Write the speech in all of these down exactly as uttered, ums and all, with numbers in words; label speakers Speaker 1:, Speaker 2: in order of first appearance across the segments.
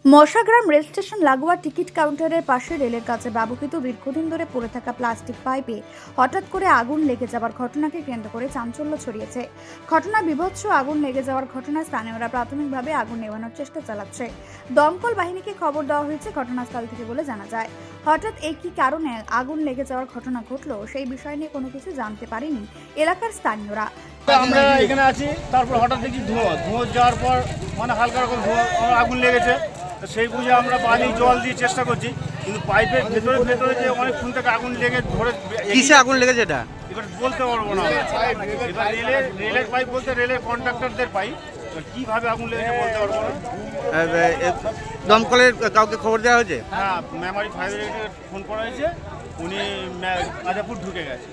Speaker 1: Mashagram rail station লাগোয়া ticket কাউন্টারের পাশে রেলের কাছে ব্যবহৃত দীর্ঘদিন ধরে পড়ে থাকা প্লাস্টিক পাইপে হঠাৎ করে আগুন লেগে যাওয়ার ঘটনাকে কেন্দ্র করে চাঞ্চল্য ছড়িয়েছে। ঘটনায় বিভৎস আগুন লেগে যাওয়ার ঘটনায় স্থানীয়রা প্রাথমিকভাবে আগুন নেভানোর চেষ্টা চালাচ্ছে। দমকল বাহিনীকে খবর দেওয়া হয়েছে ঘটনাস্থল থেকে বলে জানা যায়। হঠাৎ এই কি কারণে আগুন লেগে যাওয়ার ঘটনা ঘটলো সেই বিষয় নিয়ে কোনো কিছু জানতে পারেনি এলাকার স্থানীয়রা।
Speaker 2: আমরা এখানে আছি, তারপর হঠাৎ দেখি ধোঁয়া ধোঁয়া যাওয়ার পর মানে হালকা রকম ধোঁয়া আগুন লেগেছে। সেই বুঝে আমরা পানি জল দিয়ে চেষ্টা করছি, কিন্তু পাইপের ভেতরে ভেতরে যে অনেকক্ষণ থেকে আগুন লেগে ধরে
Speaker 3: কিসে আগুন লেগেছে এটা
Speaker 2: এবার বলতে পারবো না। এবার রেলের রেলের পাইপ বলতে রেলের কন্ট্রাক্টরদের পাইপ, কিভাবে আগুন লেগেছে বলতে পারবো না।
Speaker 3: দমকলের কাউকে খবর দেওয়া হয়েছে?
Speaker 2: হ্যাঁ, মেমারি ফায়ার ব্রিগেডে ফোন করা হয়েছে, উনি আজাপুর ঢুকে গেছে।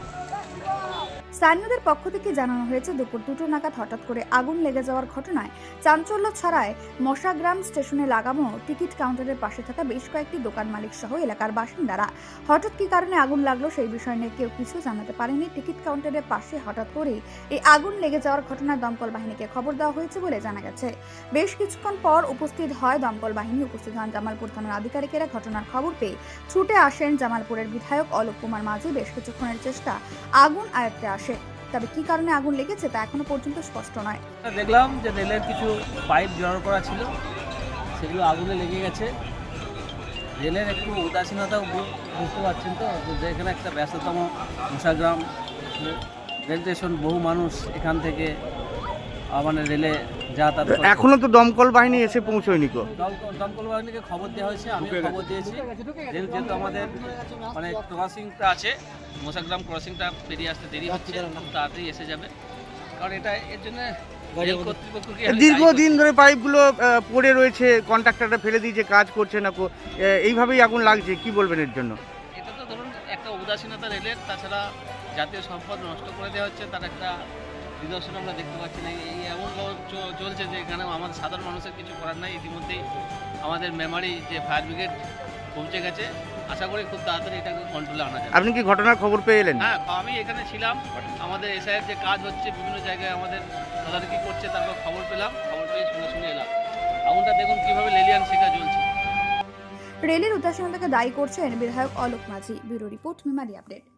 Speaker 1: স্থানীয়দের পক্ষ থেকে জানানো হয়েছে দুপুর দুটো নাগাদ হঠাৎ করে আগুন লেগে যাওয়ার ঘটনায় চাঞ্চল্য ছড়ায় মশাগ্রাম স্টেশনে লাগানো টিকিট কাউন্টারের পাশে থাকা বেশ কয়েকটি দোকান মালিক সহ এলাকার বাসিন্দারা। হঠাৎ কি কারণে আগুন লাগলো সেই বিষয় নিয়ে কেউ কিছু জানাতে পারেনি। টিকিট কাউন্টারের পাশে হঠাৎ করে এই আগুন লেগে যাওয়ার ঘটনায় দমকল বাহিনীকে খবর দেওয়া হয়েছে বলে জানা গেছে। বেশ কিছুক্ষণ পর উপস্থিত হয় দমকল বাহিনী। উপস্থিত হন জামালপুর থানার আধিকারিকেরা। ঘটনার খবর পেয়ে ছুটে আসেন জামালপুরের বিধায়ক অলোক কুমার মাঝি। বেশ কিছুক্ষণের চেষ্টা আগুন আয়ত্তে আসে, তবে কি কারণে আগুন লেগেছে তা এখনো পর্যন্ত স্পষ্ট নয়।
Speaker 4: দেখলাম যে রেলের কিছু পাইপ জড়ো করা ছিল, সেগুলো আগুনে লেগে গেছে। রেলের একটু উদাসীনতা বুঝতে পারছেন তো, যে এখানে একটা ব্যস্ততম মশাগ্রাম রেল স্টেশন, বহু মানুষ এখান থেকে মানে রেলে যাতায়াত করে।
Speaker 3: এখনো তো দমকল বাহিনী এসে পৌঁছয়নি। কো
Speaker 4: দমকল বাহিনীকে খবর দেওয়া হয়েছে, আমি খবর দিয়েছি। রেল যেহেতু আমাদের মানে ক্রসিংটা আছে, মশাগ্রাম ক্রসিংটা পেরিয়ে আসতে দেরি হচ্ছে, খুব তাড়াতাড়ি এসে যাবে। কারণ এটা এর জন্য রেল কর্তৃপক্ষকে
Speaker 3: দীর্ঘদিন ধরে পাইপগুলো পড়ে রয়েছে, কন্ট্রাক্টররা ফেলে দিয়েছে, কাজ করছে না। কো এইভাবেই আগুন লাগছে, কি বলবেন এর জন্য?
Speaker 4: এটা তো ধরুন একটা উদাসীনতা রেলের, তাছাড়া জাতীয় সম্পদ নষ্ট করে দেওয়া হচ্ছে, তার একটা নিদর্শন আমরা দেখতে পাচ্ছি না। এই এমন চলছে যে এখানে আমাদের সাধারণ মানুষের কিছু করার নাই। ইতিমধ্যেই আমাদের মেমারি যে ফায়ার ব্রিগেড পৌঁছে গেছে, আশা করি খুব তাড়াতাড়ি এটাকে কন্ট্রোলে আনা যাবে।
Speaker 3: আপনি কি ঘটনার খবর পেয়ে এলেন?
Speaker 4: হ্যাঁ, আমি এখানে ছিলাম। আমাদের এসআইয়ের যে কাজ হচ্ছে, বিভিন্ন জায়গায় আমাদের তদারকি করছে, তারপর খবর পেলাম। খবর পেয়ে শুনে শুনে এলাম। আগুনটা দেখুন কিভাবে লেলিয়ান শিখা জ্বলছে।
Speaker 1: রেলের উদাসীনতাকে দায়ী করছেন বিধায়ক Alok Majhi. Bureau report, Memari update.